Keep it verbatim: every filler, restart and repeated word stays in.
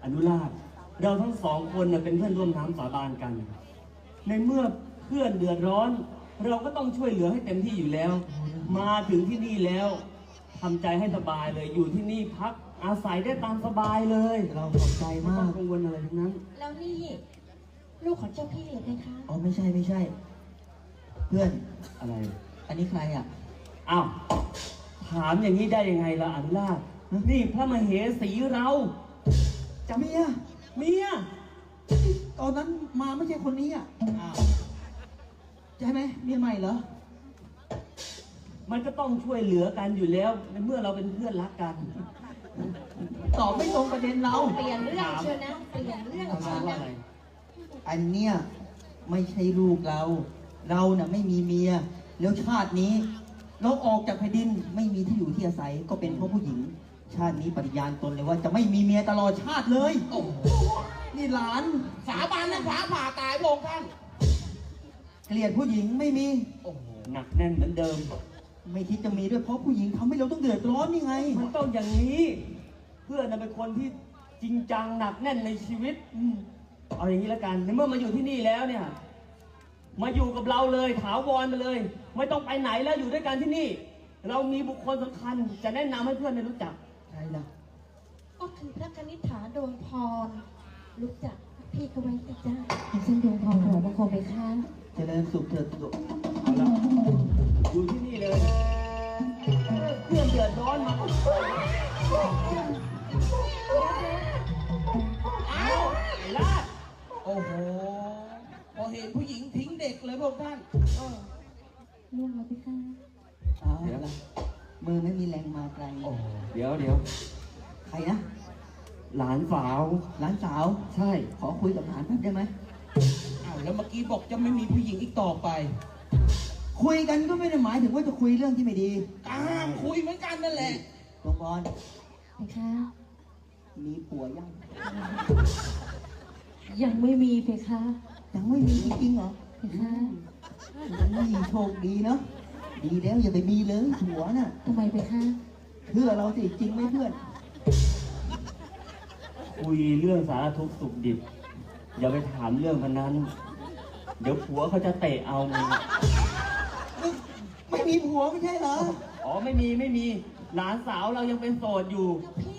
อนุราชเราทั้งสองคนเนี่ยเป็นเพื่อนร่วมน้ำสาบานกันในเมื่อเพื่อนเดือดร้อนเราก็ต้องช่วยเหลือให้เต็มที่อยู่แล้วมาถึงที่นี่แล้วทำใจให้สบายเลยอยู่ที่นี่พักอาศัยได้ตามสบายเลยเราขอบใจมากไม่ต้องกังวลอะไรทั้งนั้นแล้วนี่ลูกของเจ้าพี่เลยไหมคะอ๋อไม่ใช่ไม่ใช่เพื่อนอะไรอันนี้ใครอ่ะอ้าวถามอย่างนี้ได้ยังไงล่ะอนุราชนี่พระมเหสีเราจำเมียเมียตอนนั้นมาไม่ใช่คนนี้อ่ะใช่ไหมเมียใหม่เหรอมันก็ต้องช่วยเหลือกันอยู่แล้วในเมื่อเราเป็นเพื่อนรักกันตอบไม่ตรงประเด็นเราเปลี่ยนเรื่องเชียวนะเปลี่ยนเรื่องเชียวนะอันเนี้ยไม่ใช่ลูกเราเราเน่ะไม่มีเมียแล้วชาตินี้เราออกจากแผ่นดินไม่มีที่อยู่ที่อาศัยก็เป็นเพราะผู้หญิงชาตินี้ปฏิญาณตนเลยว่าจะไม่มีเมียตลอดชาติเลยโอ้นี่หลานสาบานนะฟ้าผ่าตายพระองค์ท่านเกลียดผู้หญิงไม่มีโอ้โหหนักแน่นเหมือนเดิมไม่คิดจะมีด้วยเพราะผู้หญิงทำให้เราต้องเดือดร้อนนี่ไงมันต้องอย่างนี้เพื่อนเป็นคนที่จริงจังหนักแน่นในชีวิตเอาอย่างนี้แล้วกันในเมื่อมาอยู่ที่นี่แล้วเนี่ยมาอยู่กับเราเลยถาวรมาเลยไม่ต้องไปไหนแล้วอยู่ด้วยกันที่นี่เรามีบุคคลสำคัญจะแนะนำให้เพื่อนได้รู้จักใครล่ะก็คือพระคณิษฐาดวงพรรู้จักพี่เขาไว้สิจ้าฉันดวงพรหัวบางคนไปค้างเจริญสุขเถิดสุขเอาละอยู่ที่นี่เลยเพื่อนเดือดร้อนมาอ้าวไอ้ลาดโอ้โหพอเห็นผู้หญิงทิ้งเด็กเลยพวกท่านล่วงแล้วพี่ค้างเดี๋ยวละมือไม่มีแรงมาไกลโอ้เดี๋ยวเดี๋ยวใครนะหลานสาวหลานสาวใช่ขอคุยกับหลานแป๊บได้ไหมอ้าวแล้วเมื่อกี้บอกจะไม่มีผู้หญิงอีกต่อไปคุยกันก็ไม่ได้หมายถึงว่าจะคุยเรื่องที่ไม่ดีตามคุยเหมือนกันนั่นแหละหลวงพ่อพี่ค้ามีผัวยังยังไม่มีเพคะยังไม่มีจริงเหรอเพคะนี่โชคดีเนาะดีแล้วอย่าไปมีเลยผัวน่ะทำไมเพคะเพื่อเราสิจริงไหมเพื่อนคุยเรื่องสารทุกข์สุขดิบอย่าไปถามเรื่องพันนั้นเดี๋ยวผัวเขาจะเตะเอามึงไม่มีผัวไม่ใช่เหรออ๋อไม่มีไม่มีหลานสาวเรายังเป็นโสดอยู่พี่